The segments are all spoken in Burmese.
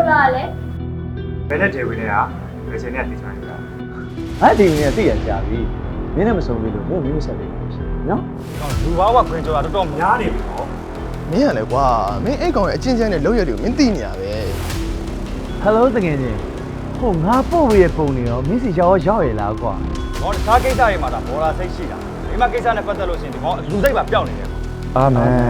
သားလဲဘယ်နဲ့ဒေဝီနဲ့ကဘယ်ချိန်နဲ့တည်ချင်လဲအဲ့ဒီနေသိရကြပြီမင်းနဲ့မဆုံးပြီလို့မင်းမင်းဆက်ပြီနော်လူဘာဝခွင်ကြောတာတော်တော်များနေပြီနော်မင်းရလဲကွာမင်းအဲ့ကောင်ရဲ့အချင်းချင်းနဲ့လောက်ရတယ်ကိုမင်းသိနေရပဲဟယ်လိုတကယ်ချင်းဟိုငါပို့ပြီးရပုံနေရောမင်းစီရောက်ရလားကွာ။တော့တခြားကိစ္စတွေမှာဒါဘောလာစိတ်ရှိတာ။ဒီမှာကိစ္စနဲ့ပတ်သက်လို့ရှိရင်ဒီကောင်လူစိတ်ပါပျောက်နေတယ်အာမန်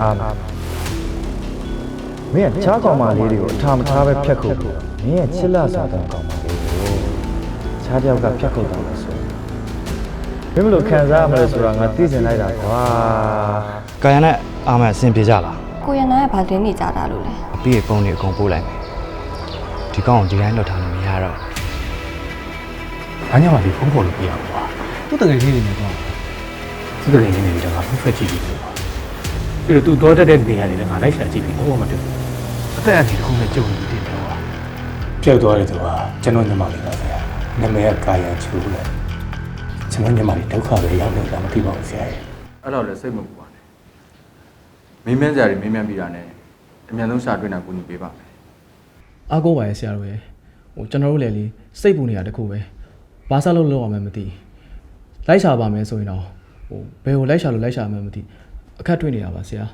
မင်းကချားကောင်မလေးတွေကိုအထာမထားပဲဖြတ်ခုတ်မင်းရဲ့ချစ်လစာတဲ့ကောင်မလေးကိုချားတယောက်ကဖြတ်ခုတ်တာလို့ဆိုမင်းမလို့ခံစားရမလဲဆိုတာငါသိစင်လိုက်တာကွာ။ကာယနဲ့အာမန်အဆင်ပြေကြလားကိုရနာကဘာတင်းနေကြတာလို့လဲ။အပြည့်ပုံတွေအကုန်ပို့လိုက်မယ်။ဒီကောင်ကိုဒီတိုင်းလွတ်ထားလို့မရတော့။ဘာညမှဒီဖုန်းပေါ်လို့ပြရမှာကွာ။သူ့တကယ်ကြီးနေတယ်ကွာ။သူ့တကယ်ကြီးနေပြီတော့ငါဖုန်းဖက်ကြည့်ပြီကွာ။ပြီးတော့သူတော့တက်တဲ့နေရာတွေလည်းငါလိုက်ရှာကြည့်ပြီတော့မတွေ့ဘူး။အသက်အန္တရာယ်တစ်ခုနဲ့ကြုံနေတယ်ကွာ။ပြောက်သွားတယ်သူကကျွန်တော်ညမလေးပါဆရာ။နာမည်ကကာယချူလဲ။ကျွန်တော်ညမလေးဒုက္ခပဲရောက်နေတာမသိပါဘူးဆရာရဲ့အဲ့တော့လည်းစိတ်မပူပါနဲ့မင်းမြန်းစရာတွေမင်းမြန်းပြီးတာနဲ့အမြန်ဆုံးရှာတွေ့တာကိုညီပေးပါမယ်အားကိုးပါရဲ့ဆရာတို့ရဲ့ဟိုကျွန်တော်တို့လည်းလေစိတ်ပူနေတာတခုပဲဘာစားလို့လောက်အောင်မှမသိလိုက်ရှာပါမယ်ဆိုရင်တော့ဟိုဘယ်ကိုလိုက်ရှာလို့လိုက်ရှာမှမသိအခက်တွေ့နေတာပါဆရာ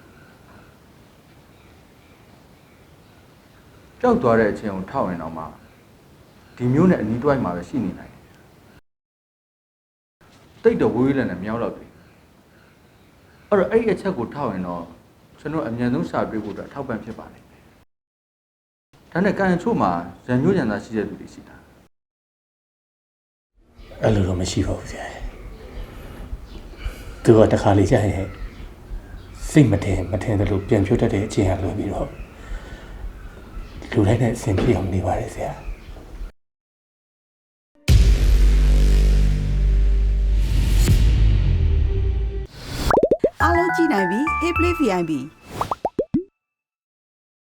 ကြောက်သွားတဲ့အချိန်ကိုထောက်ရင်တော့မှဒီမျိုးနဲ့အနီးတွိုင်းမှာပဲရှိနေနိုင်တယ်တိတ်တော့ဝေးဝေးလည်းနဲ့မြောက်တော့ပြီအဲ့တော့အဲ့ဒီအချက်ကိုထောက်ရင်တော့ကျွန်တော်အမြန်ဆုံးရှာတွေ့ဖို့အတွက်ထောက်ပံ့ဖြစ်ပါလိမ့်မယ်ဒါနဲ့ကန်ချို့မှာရန်ညွှန်းရန်သားရှိတဲ့သူတွေရှိတာ။အဲ့လိုတော့မရှိပါဘူးဆရာ။သူကတခါလေကြာရင်စိတ်မထင်တယ်လို့ပြန်ဖြုတ်တတ်တဲ့အချိန်ဟာလွယ်ပြီးတော့လူတိုင်းနဲ့အဆင်ပြေအောင်နေပါတယ်ဆရာ။အားလုံးကြည့်နိုင်ပြီ Hey Play VIP